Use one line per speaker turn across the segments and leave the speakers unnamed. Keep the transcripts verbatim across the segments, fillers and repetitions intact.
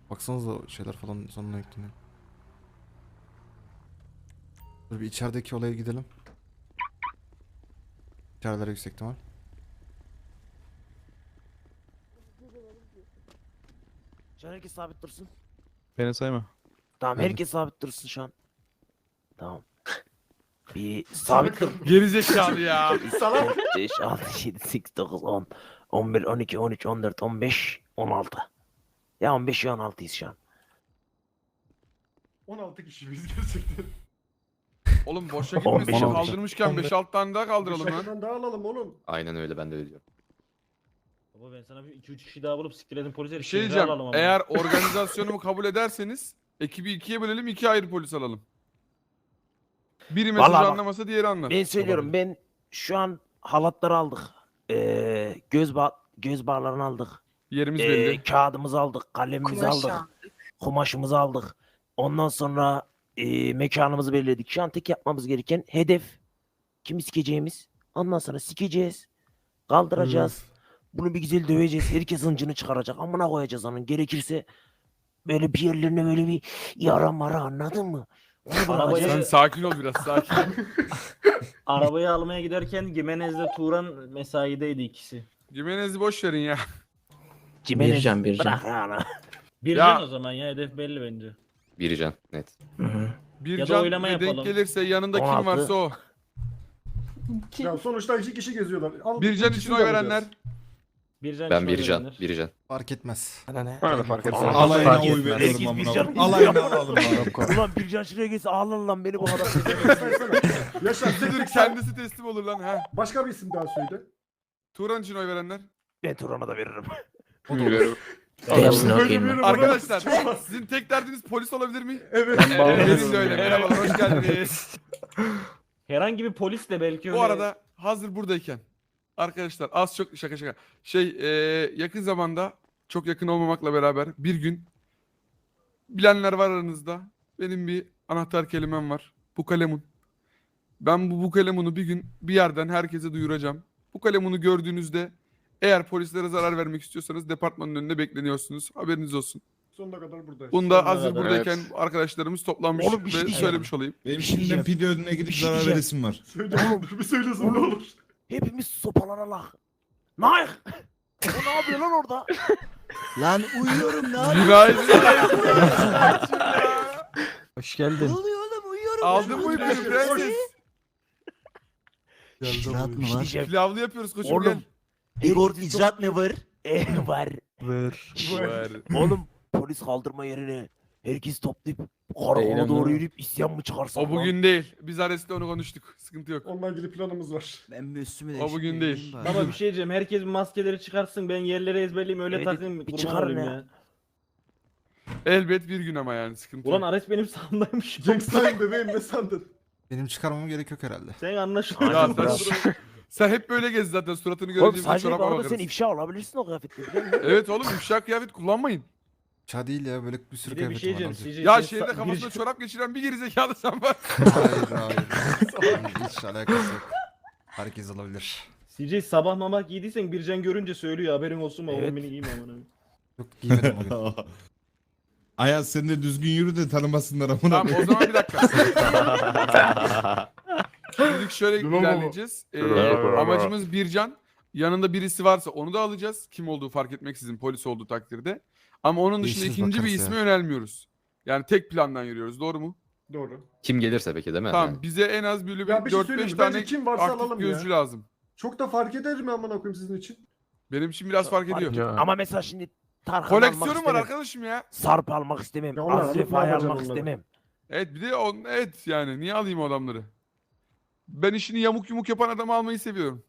Baksanıza o şeyler falan sonuna ekleniyor. Dur bir içerideki olaya gidelim. İçerideler yüksek ihtimal.
Şu an herkes sabit dursun.
Beni sayma.
Tamam
Geldim.
herkes sabit dursun şu an. Tamam. Bir sabit dur.
Gerizekalı ya.
dört, beş, altı, yedi, sekiz, dokuz, on, on bir, on iki, on üç, on dört, on beş, on altı. Ya on beş ya on altıyız şu an.
on altı kişiyiz gerçekten.
Oğlum boşa
on beş,
gitmesin.
on beş.
Kaldırmışken beş altı tane daha kaldıralım lan.
Şakadan daha alalım oğlum.
Aynen öyle, ben de öyle diyorum.
Baba ben sana bir iki üç kişi daha bulup siktirelim polise.
Bir şey diyeceğim. Eğer organizasyonumu kabul ederseniz ekibi ikiye bölelim, iki ayrı polis alalım. Biri mesajı
Vallahi bak,
anlamasa diğeri anlar.
Ben söylüyorum ben şu an halatları aldık. Ee, göz bağ göz bağlarını aldık.
Yerimiz
Ee,
belli.
kağıdımızı aldık, kalemimizi aldık. Kumaşımızı aldık. Ondan sonra e, mekanımızı belirledik. Şu an tek yapmamız gereken hedef kimi sikeceğimiz. Ondan sonra sikeceğiz. Kaldıracağız. Bunu bir güzel döveceğiz. Herkes hıncını çıkaracak. Amına koyacağız onun. Gerekirse böyle bir yerlerine böyle bir yara mara, anladın mı? Onu
Arabayı-
bırakacağız.
Sen sakin ol biraz, sakin.
Arabayı almaya giderken Gimenez'le Turan mesaideydi ikisi.
Jimenez'i boş verin ya.
Cimenez,
Bircan, Bircan.
bırak yani.
Bir
Ya-
can o zaman ya hedef belli bence.
Bircan net.
Bir
Ya da
can
oylama
ve denk
yapalım.
gelirse yanında
on
kim
altı.
varsa o.
Ya sonuçta iki kişi geziyorlar. Al,
Bir can
ikisini
için
de
oy
alacağız.
verenler.
Bir can
Ben
için oy
Bircan,
verenler.
Bircan.
Fark etmez.
Bana ne?
Bana da fark etmez.
Allah
Alayına
fark
oy
etmez.
veriyorum
Herkes
amına
bir can
koyayım. Alayına alalım amına koyayım.
Ulan bir can şuraya gelse ağlar lan beni bu kadar.
Yaşar
Dur
sen
kendisi teslim olur lan ha.
başka bir isim daha söyle.
Turan için oy verenler.
Ben Turan'a da veririm.
Hepsini
Böyle
okuyayım
bir
ben.
numara-
Arkadaşlar sizin tek derdiniz polis olabilir mi?
Evet.
Evet, benim de öyle. Merhabalar, hoş geldiniz.
Herhangi bir polis de belki öyle.
Bu arada hazır buradayken arkadaşlar az çok şaka şaka şey e, yakın zamanda çok yakın olmamakla beraber bir gün bilenler var aranızda. Benim bir anahtar kelimem var. Bu kalemun. Ben bu bu kalemunu bir gün bir yerden herkese duyuracağım. Bu kalemunu gördüğünüzde eğer polislere zarar vermek istiyorsanız departmanın önünde bekleniyorsunuz. Haberiniz olsun.
Sonuna kadar buradayız.
Bunu da
Sonuna
hazır
kadar,
buradayken arkadaşlarımız toplanmış
Oğlum bir şey
ve
diyeceğim.
söylemiş olayım.
Benim
Bir şey
şimdiden
diyeceğim.
pide ödüne gidip
Bir şey
zarar
diyeceğim.
veresim var.
Söyle dur bir söylesin ne olur.
Hepimiz sopalara lak. Naik. O ne yapıyor lan orada?
Lan uyuyorum lan.
Günaydın.
Hoş geldin.
oluyor oğlum, uyuyorum.
Aldın mı ipini prenses?
İcraat mı
Bir şey
var?
diyeceğim.
Pilavlı yapıyoruz koçum
Oğlum,
gel.
Igor icraat ne var? E var.
Ver.
Var.
Oğlum polis kaldırma yerine herkes toplayıp karakola
Eylem
doğru
değil mi?
yürüyüp isyan mı çıkarsak
O bugün değil. Biz Ares'te onu konuştuk. Sıkıntı yok.
Onunla ilgili planımız var.
Ben bir üstümü
O bugün değil.
Ama bir şey diyeceğim. Herkes bir maskeleri çıkarsın. Ben yerleri ezberleyeyim öyle
Evet,
takayım.
bir
kurban
çıkarın
olayım
ya.
ya.
Elbet bir gün ama yani sıkıntı
Ulan
yok.
Ares benim sağımdaymış.
Jack Stein bebeğim ne sandın?
Benim çıkarmamam gerek yok herhalde.
Sen anlaşılan.
Ya sen, sen hep böyle gez zaten suratını
Oğlum
görünce bize
sadece bu
çoraba
arada sen
bakarız.
ifşa olabilirsin o kıyafetle biliyor musun?
Evet oğlum ifşa kıyafet kullanmayın.
Ça değil ya böyle bir sürü
Bir de bir şey
kıyafetim var.
diyeceğim.
alacak.
C J,
Ya
sen
şehirde
sa-
kafasına
giriş-
çorap geçiren bir gerizekalı sen var.
Hayır hayır. Hiç alakası yok. Herkes alabilir.
C J sabah mamak giydiysen Bircan görünce söylüyor haberin olsun mu?
Evet.
Evet. Beni giyme amına.
Yok giymedim bugün.
Ayaz sen de düzgün yürü de tanımasınlar amına
Tamam
koyayım.
o zaman bir dakika. Şimdilik şöyle
Bravo.
ilerleyeceğiz. Ee, amacımız Bircan. Yanında birisi varsa onu da alacağız. Kim olduğu fark etmeksizin polis olduğu takdirde. Ama onun dışında
Değişiriz,
ikinci bir
bakarız
isme
ya.
yönelmiyoruz. Yani tek plandan yürüyoruz. Doğru mu?
Doğru.
Kim gelirse peki değil mi?
Tamam.
Yani.
Bize en az böyle
Ya bir
bir
şey
dört
söyleyeyim
beş
mi? Bence
tane
kim varsa
aktif
alalım
gözcü
ya.
lazım.
Çok da fark eder mi amına koyayım sizin için?
Benim için biraz fark ediyor.
Ya.
Ama mesela şimdi Tarkan almak
Koleksiyonum var
istemem.
arkadaşım ya.
Sarp almak istemem.
Ya onlar alıp
Azref
ne
Ay
yapacaksın
almak
onları?
istemem.
Evet bir de on, evet yani niye alayım o adamları? Ben işini yamuk yumuk yapan adamı almayı seviyorum.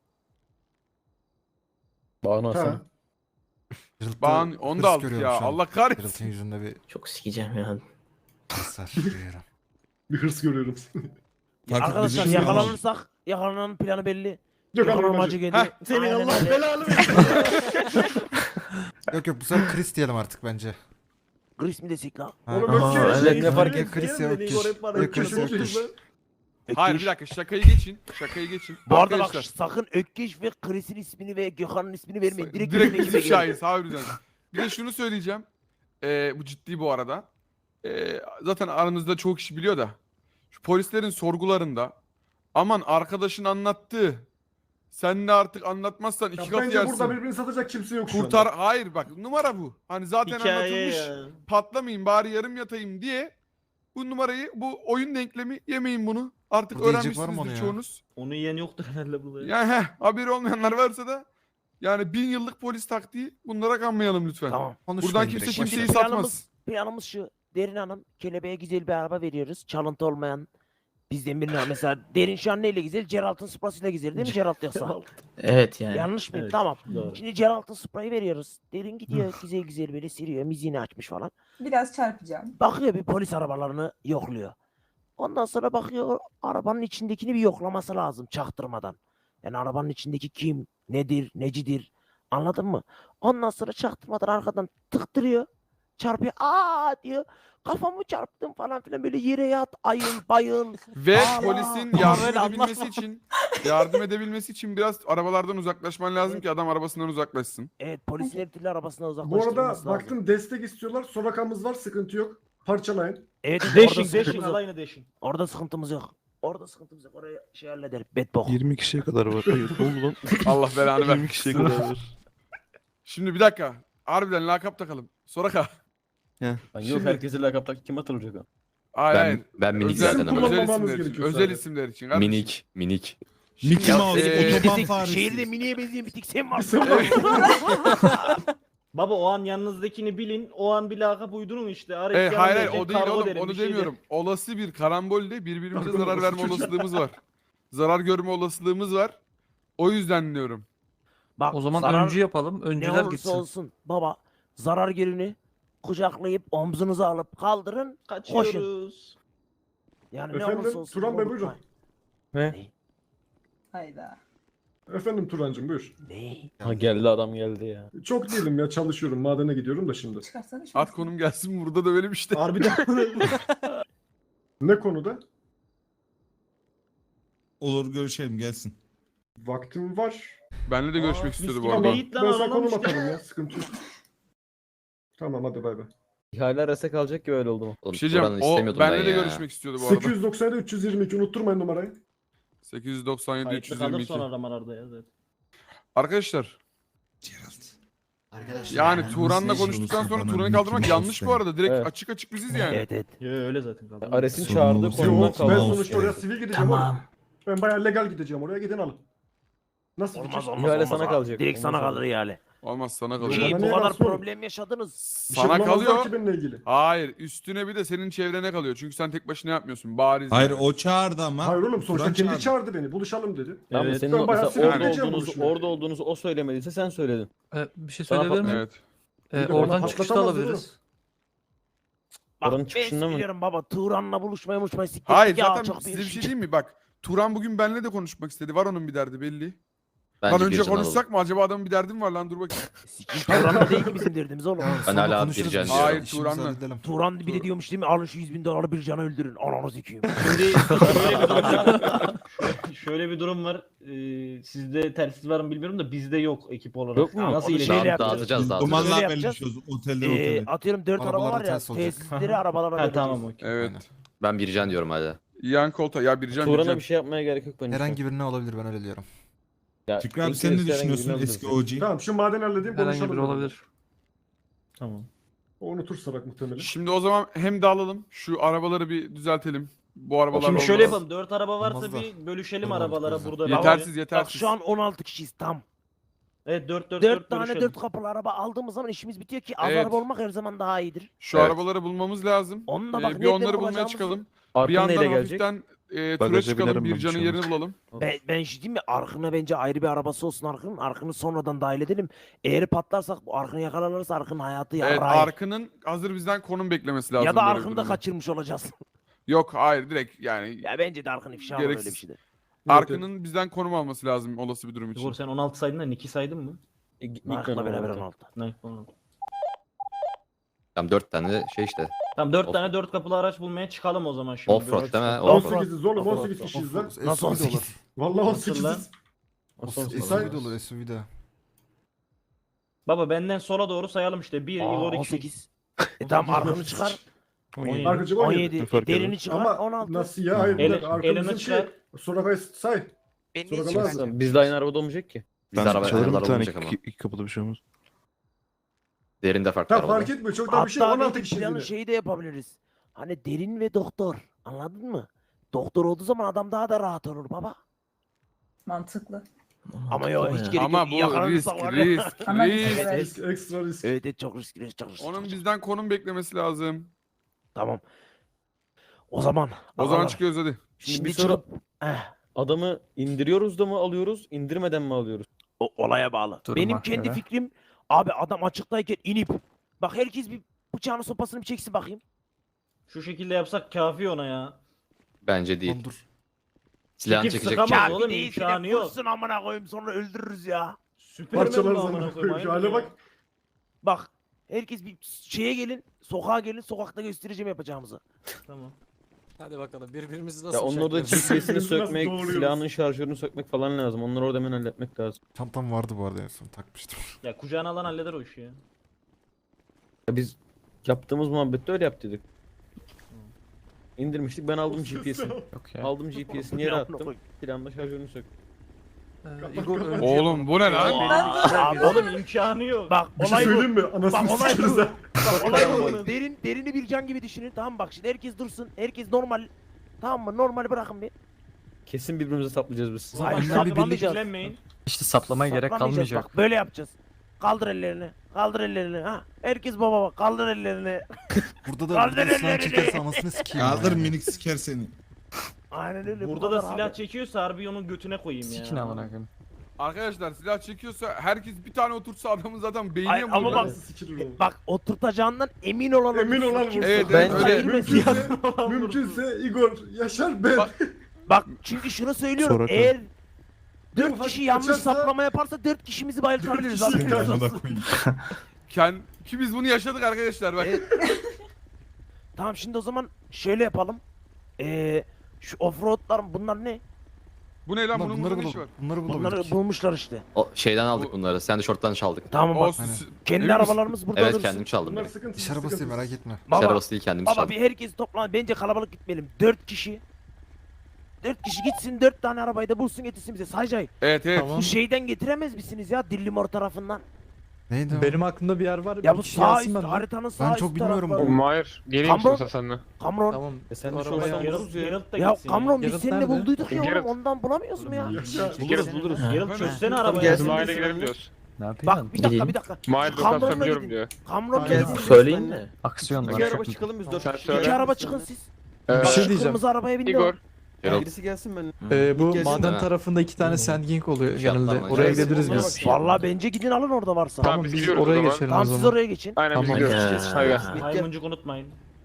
Bağını alsana.
Ha.
Cırıltı
Bağın onu
hırs
da aldık
görüyorum
ya.
şu an.
Allah kahretsin.
Cırıltın yüzünde bir
Çok sikeceğim ya.
hasar görüyorum.
Bir hırs görüyorum.
Fark
Arkadaşlar
etmez.
yakalanırsak yakalananın planı belli.
Yok
Yakalanma
amacı.
amacı geliyor.
Heh,
Senin
Aynen
Allah
öyle.
belanı versin.
Yok yok bu sefer Chris diyelim artık bence.
Chris mi desek lan?
Ha.
Oğlum
Aha,
Ökkeş.
evet, ne fark
Ya Chris ya Ökkeş. Ya Chris ya Ökkeş.
Hayır bir dakika şakayı geçin. Şakayı geçin.
Bu arada bak
Arkadaşlar,
sakın Ökkeş ve Chris'in ismini ve Gökhan'ın ismini vermeyin. Direkt,
direkt
bizim
bizim
ekibe gelin.
şahit harbiden. Bir de şunu söyleyeceğim. Ee, bu ciddi bu arada. Ee, zaten aranızda çoğu kişi biliyor da. Şu polislerin sorgularında aman arkadaşın anlattı. Sen de artık anlatmazsan iki
Ya
katı
bence
yersin.
burada birbirini satacak kimse yok şu
Kurtar.
anda.
Hayır bak numara bu. Hani zaten
Hikaye
anlatılmış.
ya.
Patlamayayım bari yarım yatayım diye. Bu numarayı, bu oyun denklemi yemeyin bunu. Artık
Burada yiyecek var mı onu
öğrenmişsinizdir
ya?
çoğunuz.
Onu yiyen yoktur herhalde burada.
Yani heh, haberi olmayanlar varsa da yani bin yıllık polis taktiği bunlara kanmayalım lütfen.
Tamam.
Konuşmayın
Buradan kimse
direkt,
kimseyi
başlayalım.
satmaz.
Planımız şu. Derin Hanım kelebeğe güzel bir araba veriyoruz. Çalıntı olmayan bizden birine mesela Derin şu an neyle güzel? Geralt'ın Supra'sıyla güzel değil mi Geralt yoksa?
Evet yani.
Yanlış mıyım?
Evet,
Tamam.
doğru.
Şimdi Geralt'ın Supra'yı veriyoruz. Derin gidiyor güzel güzel böyle sürüyor. Müziğini açmış falan.
Biraz çarpacağım.
Bakıyor bir polis arabalarını yokluyor. Ondan sonra bakıyor arabanın içindekini bir yoklaması lazım çaktırmadan. Yani arabanın içindeki kim, nedir, necidir anladın mı? Ondan sonra çaktırmadan arkadan tıktırıyor. Çarpıyor. Aa diyor. Kafamı çarptım falan filan böyle yere yat, ayıl, bayıl.
Ve
Aa,
polisin
ama
yardım
böyle
edebilmesi
anlatma.
için yardım edebilmesi için biraz arabalardan uzaklaşman lazım
Evet.
ki adam arabasından uzaklaşsın.
Evet polisin her türlü arabasına
Bu
uzaklaştırılması
arada
lazım.
baktım destek istiyorlar. Sorakamız var, sıkıntı yok. Parçalayın.
Evet, orada
Deşin deşin
sıkıntımız yok.
alayını deşin.
Orada sıkıntımız yok. Orada sıkıntımız yok. Oraya şey halleder. Bedbok.
yirmi kişiye kadar var. Hayır ne oldu lan?
Allah belanı
yirmi
vermesin.
kişiye kadar var.
Şimdi bir dakika. Harbiden lakap takalım. Soraka.
Lan yok
Şimdi-
herkese lakap tak kim hatırlayacak o?
Hayır
Ben,
hayır.
ben minik
Özel,
zaten ama.
özel
Kullanmamamız
isimler için.
gerekiyor
Özel
sadece.
isimler için. kardeşim.
Minik, minik.
Mickey Mouse,
Ee,
otoban
Desek,
faresi.
şehirde miniye benzeyen bir tek sen varsın.
Sen var.
Baba o an yanınızdakini bilin. O an bir lakap uydurun işte. Ares
Evet,
yanına
hayır hayır
gelecek,
o değil
kargo
oğlum
derim,
onu
bir şey
demiyorum. Olası bir karambolde birbirimize
Aklım
zarar
olsun
verme
çocuğum.
olasılığımız var. Zarar görme olasılığımız var. O yüzden diyorum.
Bak,
O zaman
zarar
öncü yapalım.
ne
Öncüler
olursa
gitsin.
olsun baba zarar görünü kucaklayıp omzunuza alıp kaldırın.
der. Kaçıyoruz.
Yani ne
Efendim,
olursa olsun.
Turan Bey,
unutmayın.
Hayda.
Efendim Turancığım buyur.
Ne?
Ha geldi adam geldi ya.
Çok değilim ya, çalışıyorum. Madene gidiyorum da şimdi.
Çıkarsana şunu.
At konum gelsin burada da böyle bir işte.
Harbiden.
Ne konuda?
Olur görüşelim gelsin.
Vaktim var.
Benle de görüşmek
Aa,
istiyordu
mis
bu
gibi
arada.
değil. Yiğit lan,
Ben sana
alalım
konum
işte.
atarım ya, sıkıntı yok. Tamam hadi bay bay.
İhale arasa kalacak ki öyle oldu mu?
Oğlum,
Bir şey diyeceğim.
Turan'ı
O
istemiyordum
benle
ben
de
ya.
görüşmek istiyordu bu arada.
sekiz yüz doksan yedi üç yüz yirmi iki unutturmayın numarayı.
sekiz yüz doksan yedi üç
Kayıtlı
yüz
kalır
yirmi iki.
sonra aramalarda ya zaten.
Arkadaşlar
Gerald.
yani
Yani
Turan'la
nasıl
konuştuktan
olursa
sonra
bana
Turan'ı
Mickey
kaldırmak
Mouse
yanlış bu
de.
arada. Direkt
Evet.
açık açık biziz yani.
Evet evet.
Yo öyle zaten kaldı.
Ares'in
Sorun
çağırdığı
olursa
konumdan
Yok ben
Tamam.
kaldı.
sonuçta oraya sivil gideceğim
Tamam.
oğlum. Ben bayağı legal gideceğim oraya, gidin alın. Nasıl
Olmaz
fikir?
olmaz
İhale
olmaz.
sana
abi.
kalacak.
Direkt sana
Olmaz
kalır ihale.
Olmaz sana
Yok,
kalıyor.
İyi
bana
bu
niye
kadar
rahatsız olun?
problem yaşadınız.
Bir şey
Sana
bulamazlar
kalıyor.
ki benimle ilgili.
Hayır üstüne bir de senin çevrene kalıyor. Çünkü sen tek başına yapmıyorsun. Bariz.
Hayır
yani.
o çağırdı ama.
Hayır oğlum sonuçta
Turan
kendi
çağırdı.
çağırdı beni, buluşalım dedi.
Tamam
Evet.
senin
Ben
o-
bayağı
mesela orada
sinirleneceğim
olduğunuzu,
buluşmaya.
orada olduğunuzu o söylemediyse sen söyledin.
Ee, bir şey
Daha
söyleyebilir miyim?
Evet.
Ee,
Bir de
oradan
bana
çıkışta
patlatamaz
alabiliriz.
Bak
Oranın
ben
çıkışında mı?
biliyorum baba Turan'la buluşmaya buluşmaya siktir.
Hayır
ya,
zaten
çok
size bir şey
şey.
diyeyim mi? Bak Turan bugün benimle de konuşmak istedi. Var onun bir derdi belli.
Bence
Lan önce
Bircan
konuşsak
alalım.
mı? Acaba adamın bir derdi mi var lan? Dur bakayım.
Sikim Turan'la değil ki bizim derdimiz oğlum.
Ben hala Bircan diyorum.
Hayır,
İşimizi
Turan'la.
halledelim.
Turan bir de diyormuş değil mi? Alın şu yüz bin doları bir canı öldürün. Ananı sikeyim.
Şimdi şöyle bir durum var. Şöyle bir durum var. Ee, sizde telsiz var mı bilmiyorum da bizde yok ekip olarak.
Yok mu?
Nasıl
Onu
iletişim?
şöyle
Dağıt-
yapacağız.
Dağıtacağız dağıtacağız.
Öyle
Dumanlar
yapacağız.
belirliyoruz otelden
Ee,
otele.
atıyorum dört araba
Arabalara
var ya.
ters olacak.
Tesisleri arabalara
Ha
vereceğiz.
tamam okey.
Evet.
Aynen.
Ben Bircan diyorum hala.
Yan kolta. Ya Bircan
Turan'a
Bircan.
bir şey yapmaya gerek yok bence.
Herhangi birine olabilir ben öyle diyorum.
Ya,
Fikri abi
ilk
sen ne
herhangi
düşünüyorsun
birini
eski
alırız.
O G?
Tamam şu madeni halledeyim,
Herhangi
konuşalım.
biri olabilir.
Tamam.
O unutursa bak muhtemelen.
Şimdi o zaman hem dağılalım. Şu arabaları bir düzeltelim. Bu arabalar
Şimdi şöyle
olmaz.
yapalım. Dört araba varsa
Olmaz da.
bir bölüşelim
Olmaz,
arabalara
olmaz.
burada.
Yetersiz
Bak
yetersiz.
şu an on altı kişiyiz tam.
Evet dört dört
dört
dört
tane
bölüşelim.
dört kapılı araba aldığımız zaman işimiz bitiyor ki az
Evet.
araba olmak her zaman daha iyidir.
Şu
Evet.
arabaları bulmamız lazım.
Onunla
Ee,
bak
bir
nereden
onları bulmaya
bulacağımızı-
çıkalım. Bir
Arkın
yandan
neyle gelecek?
hafiften e, tura
Bagaja
çıkalım.
binerim ben,
Bircan'ın
bir şey
yerini
olmaz.
bulalım.
Ben, ben şey diyeyim mi? Arkın'a bence ayrı bir arabası olsun Arkın'ın. Arkın'ı sonradan dahil edelim. Eğer patlarsak bu Arkın'ı yakalanırsa Arkın hayatı
Evet
yarayır.
Arkın'ın hazır bizden konum beklemesi lazım.
ya da
böyle bir
Arkın'ı da
durumda.
kaçırmış olacağız.
Yok hayır direkt yani.
ya bence de Arkın ifşa olur öyle bir
Gereksiz.
şeyde.
Arkın'ın bizden konum alması lazım olası bir durum için.
Igor sen on altı saydın da Nick'i saydın mı? E, Nick
Arkın'la beraber
on altı.
on altı.
Nick on altı.
Tamam dört tane şey işte.
Tamam dört
Off-
tane dört kapılı araç bulmaya çıkalım o zaman şimdi.
Offroad değil mi?
Offroad.
Offroad.
on sekiziz oğlum,
Offroad.
on sekiz kişiyiz lan.
Nasıl on sekiz?
Vallahi on
Nasıl lan?
sekiziz.
Offroad.
Offroad.
S U V de olur S U V de.
Baba benden sola doğru sayalım işte. bir,
Aa,
Igor
on
iki.
sekiz. E tamam arkanı çıkar.
on yedi.
Arkacım on yedi.
on yedi.
Fark
Derini
eder.
çıkar.
Ama
on altı.
nasıl ya? Hayır.
El-
El, arka
elini
bizim
çıkar.
şey. Sonra say.
Beni
Sonra
hiç
kalamaz.
merak
Biz de aynı arabada olmayacak ki.
Biz
Ben
araba,
çalarım bir
araba
tane
olmayacak ama.
iki, iki kapıda bir şey olmaz.
Derinde farklı
Tamam
araba.
fark etmiyor. Çok daha bir şey.
Hatta
on altı
belki
kişi
planın
yine.
şeyi de yapabiliriz. Hani derin ve doktor. Anladın mı? Doktor olduğu zaman adam daha da rahat olur baba.
Mantıklı.
Ama yok hiç gerek
Ama
yok.
bu
Yakalanırsa
risk
var ya.
risk
Ama
risk.
evet.
Risk, ekstra risk.
Evet evet çok riskli çok riskli.
Onun
çok-
bizden konum beklemesi lazım.
Tamam. O zaman.
O zaman
ağalar,
çıkıyoruz hadi.
Şimdi,
Şimdi
bir soru
çıkıp eh,
adamı indiriyoruz da mı alıyoruz, indirmeden mi alıyoruz?
o, olaya bağlı.
Duruma
Benim kendi
göre.
fikrim abi adam açıktayken inip bak herkes bir bıçağını sopasını bir çeksin bakayım.
Şu şekilde yapsak kafi ona ya.
Bence değil.
Lan dur.
Silahını
Çekip
çekecek.
sıkamaz.
Ya
oğlum,
bir değilsin
imkanı
de
yok.
vursun amına koyayım sonra öldürürüz ya.
Süpermen
Parçalarız
bu amına
amına
koyayım,
koyayım. Şu
aynen
hale
ya.
bak.
Bak herkes bir şeye gelin sokağa gelin sokakta göstereceğim yapacağımızı.
Tamam.
Hadi bakalım birbirimizi
Ya
nasıl
onun orada G
bıçaklarız?
P S'ini
Nasıl
sökmek,
doğruyoruz?
silahının şarjörünü sökmek falan lazım. Onları orada hemen halletmek lazım.
Çantam vardı bu arada en son takmıştım.
Ya kucağına alan halleder o işi ya. Ya biz yaptığımız muhabbette öyle yaptıydık. İndirmiştik, ben aldım G P S'ini.
Yok ya.
Aldım G P S'ini yere attım. Silahında şarjörünü söktüm.
Ee, Igor önce
Oğlum bu ne lan?
Abi
Oğlum imkanı yok.
bak
Bir şey
olay bu.
söyleyeyim mi? Anasını
Bak, olay
sikeriz
bu.
ha.
Bak olay bu. Derin, derini bir can gibi düşünün tamam bak şimdi herkes dursun. Herkes normal. Tamam mı? Normal bırakın bir.
Kesin birbirimize saplayacağız biz.
Hayır,
Aynen,
saklamayacağız.
bir birlik-
Saklamayacağız.
İşte saplamaya gerek
Saklamayacağız.
kalmayacak.
Bak böyle yapacağız. Kaldır ellerini. Kaldır ellerini. Ha. Herkes baba bak. Kaldır ellerini.
Burada da
Kaldır
burada silah
ellerini.
çekerse anasını sikeyim.
Kaldır
ya.
minik siker seni.
Aynen öyle. bu
Burada da
kadar
silah
abi.
çekiyorsa harbi onun götüne koyayım ya.
Sikin amına koyayım.
Arkadaşlar silah çekiyorsa herkes bir tane otursa adamın zaten beynine
Ay,
mi
ama
vurur?
bak-
Nasıl sikilir oğlum?
Bak oturtacağından emin olan
Emin
olursun.
olan
Kimse-
vursun.
Evet,
Bence-
evet, öyle.
Mümkünse, mümkünse Igor, Yaşar, ben.
Bak-
Bak çünkü şunu söylüyorum.
Sonra kal.
Eğer
Bir
dört
ufak
kişi yanlış
kaçarsa-
saplama yaparsa dört kişimizi bayıltabiliriz
Dört
abi.
kişi-
Amına koyayım.
Ken, ki biz bunu yaşadık arkadaşlar bak.
Evet. Tamam şimdi o zaman şöyle yapalım. Ee, şu offroadlar bunlar ne?
Bu ne lan
Ulan
bunun
bunları
burada ne işi var?
bulalım. Bunları
Bunları
bulabildik.
bulmuşlar işte.
O şeyden aldık
Bu-
bunları. Sen de şorttan çaldık.
Tamam
O
bak.
s-
Aynen.
Kendi
emin misin?
arabalarımız burada
Evet
dursun.
kendim çaldım.
Bunlar
direkt.
sıkıntı.
İş arabası değil merak etme.
İş
Baba,
arabası değil kendimiz
baba
çaldık.
bir herkes toplan. Bence kalabalık gitmeyelim. Dört kişi. Dört kişi gitsin dört tane arabayı da bulsun getirsin bize. Saycay.
Evet evet.
Bu şeyden getiremez misiniz ya Dillimor tarafından?
Neydi o?
Benim aklımda bir yer var.
Ya
bir
bu
kişi
sağ
gelsin
üst
benden.
haritanın sağ
Ben
üst
çok bilmiyorum
tarafları.
bunu.
Hayır. Geleyim
Kamron.
istiyorsan senle.
Kamron.
Tamam.
E sen de
Arabaya
şorttan
alırız
buluruz ya. Geralt da
Ya
gitsin
Kamron biz
Geralt
seninle
nerede?
bulduyduk ya
Geralt.
oğlum ondan bulamıyoruz mu ya?
Yaşar.
Buluruz buluruz. Geralt çözsene
Tamam,
arabayı.
gelsin.
Mahalleye gidelim diyoruz.
Ne yapayım
Bak bir dakika bir dakika.
Mahallede
Kamronla
lokasyonu biliyorum
gidin.
diyor.
Kamronla
Gel-
gidin.
Söyleyeyim mi?
Aksiyon
İki
var.
araba çıkalım biz dört
Sen
kişi.
söyle.
İki araba çıkın siz.
Ee,
Bir şey
Şu
diyeceğim.
Kırmızı arabaya bindi
Igor.
o.
Geralt.
Birisi gelsin ben.
Ee, bu
Gelsin
maden
ha.
tarafında iki tane sandging oluyor
Fiyatlar
genelde.
mı?
Oraya
Gelsin,
gideriz
onlara
biz.
bak.
Vallahi bence gidin alın orada varsa.
Tamam,
Tamam
biz
biz
gidiyoruz o
oraya
zaman.
geçelim
Tamam
o
siz
zaman.
oraya geçin.
Aynen biz
Tamam.
gidiyoruz. Hadi gel.
Maymuncuk unutmayın.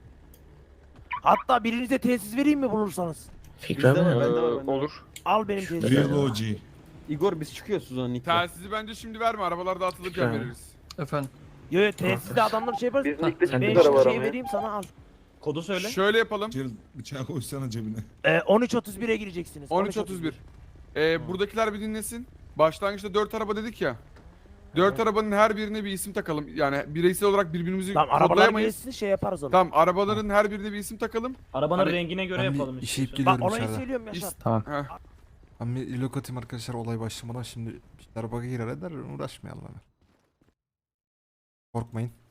Hatta birinize tesis vereyim mi bulursanız?
Bizde var, bende var,
Ee,
bende var.
olur.
Al benim tesisi.
Real O G.
Igor biz çıkıyoruz o zaman Nick'le.
Telsizi bence şimdi verme. Arabalar dağıtılırken veririz.
Efendim.
Yo yo tesiste adamlar şey yapar.
Sen
Ben
de
şu şeyi vereyim sana al.
Kodu söyle.
Şöyle yapalım.
Gerald bıçağı koysana cebine.
Ee, on üç otuz bire gireceksiniz.
on üç otuz bir. Ee, buradakiler bir dinlesin. Başlangıçta dört araba dedik ya. Dört arabanın her birine bir isim takalım. Yani bireysel olarak birbirimizi
Tamam arabalar
kodlayamayız.
gelsin şey yaparız onu.
Tamam arabaların her birine bir isim takalım.
Arabanın
Hani
rengine göre
Ben
yapalım
bir işeyip
istiyorsan.
Bak
geliyorum
olayı
içeride.
söylüyorum Yaşar.
Tamam.
Heh.
Ben bir ilok atayım arkadaşlar olay başlamadan şimdi işler bug'a girer eder uğraşmayalım hemen. Korkmayın.